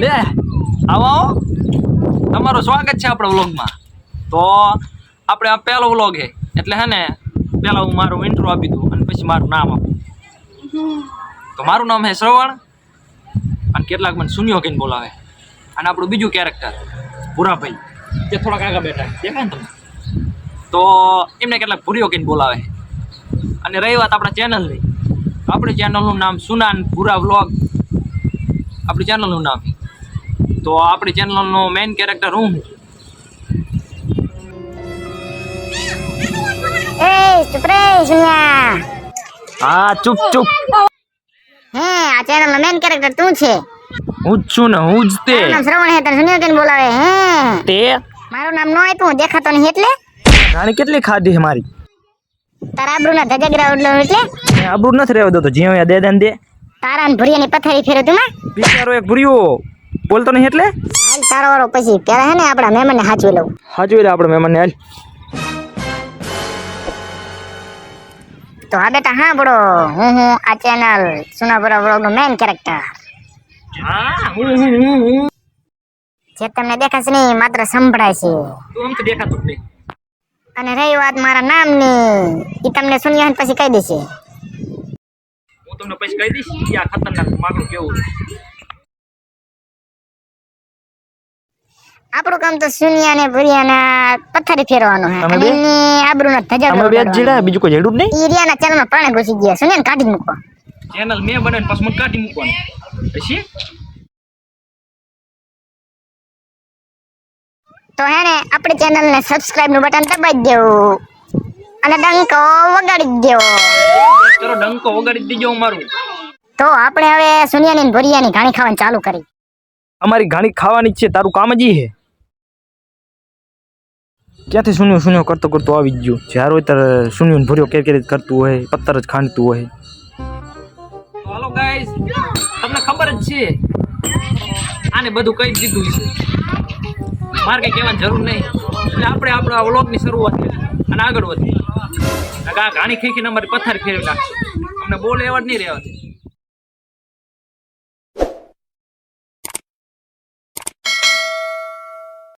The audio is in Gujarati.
લે આવો તમારું સ્વાગત છે આપણા વ્લોગમાં. તો આપણે આ પહેલો વ્લોગ છે એટલે હે ને પહેલાં હું મારું ઇન્ટ્રો આપી દઉં અને પછી મારું નામ આપું. તો મારું નામ છે શ્રવણ અને કેટલાક મને સુનિયો કહીને બોલાવે. અને આપણું બીજું કેરેક્ટર ભૂરાભાઈ જે થોડાક આગળ બેઠા દેખાય ને તમે, તો એમને કેટલાક ભૂરીઓ કહીને બોલાવે. અને રહી વાત આપણા ચેનલની, આપણી ચેનલનું નામ સુનાન ભૂરા વ્લોગ આપણી ચેનલનું નામ. તો આપણી ચેનલનો મેઇન કેરેક્ટર હું ચુપ રે સુનિયા. હા ચૂપ ચૂપ. હે આ ચેનલનો મેઇન કેરેક્ટર તું છે? હું જ છું ને, હું જ તે. મારું નામ શ્રવણ હે, તને સુનિયો કેને બોલાવે હે? તે મારું નામ નો આપ્યું, દેખાતો નહીં એટલે? રાણી કેટલી ખાધી છે મારી? તારા આબરૂના ધજાગરા ઉડલો એટલે? આબરૂ નથી રહેવા દો તો જ્યાં દે દે. તારા ને ભુરિયાની પથારી ફેરો તું માં? બિચારો એક ભૂરિયો બોલતો નહીં એટલે? હાલ તારો વાળો પછી પેલા હે ને આપણા મહેમાનને હાચવી લઉં. હાજુ રે આપણે મહેમાનને હાલ. તો હા બેટા હા બડો, હું આ ચેનલ સુનાપુરા વ્લોગનો મેઇન કેરેક્ટર. હા જે તમને દેખાશે નહીં માત્ર સંભળાય છે. તું આમ તો દેખાતો જ નહીં. અને રહી વાત મારા નામની, એ તમને સુનિયા પછી કહી દેશે. હું તમને પછી કહી દઈશ કે આ ખતરનાક માગણું કેવું છે. આપણું કામ તો સુનિયા ને ભુરિયાના પથ્થરી ફેરવાનું હે તમે અને બે? એમની આબરૂના ધજાગરા અમે બે જ ઉડાડવાના. જીડા, બીજું કોઈ જેડું જ નહીં. ઈ રિયાના ચેનલમાં પ્રાણે ઘૂસી ગયા, સુનિયાને કાઢી મૂકો. ચેનલ મેં બનાવીને પછી મને કાઢી મૂકવાનું પછી. તો હે ને આપણી ચેનલને સબસ્ક્રાઇબ નું બટન દબાવી દેવું અને ડંકો વગાડી દેવો. ચલો ડંકો વગાડી દીજો મારું. તો આપણે હવે સુનિયાની ને ભુરિયાની ઘાણી ખાવાનું ચાલુ કરી. અમારી ઘાણી ખાવાની જ છે, તારું કામ જ ઈ છે. ક્યાંથી સુન્યો સુન્યો કરતો કરતો આવી જ ગયો. જ્યારે હોય ત્યારે સુન્યો ને ભૂર્યો કેર જ કરતું હોય, પથ્થર જ ખાંડતું હોય. હાલો ગાઈસ, તમને ખબર જ છે આને બધું કહી દીધું છે, મારે કઈ કહેવાની જરૂર નહીં. એટલે આપણે આપણા વ્લોગની શરૂઆત કરી અને આગળ વધીએ. આ ઘાણી ખીખીને અમારી પથ્થર ફેરવી નાખશે, અમને બોલે એવા જ નહીં રહેવા દે.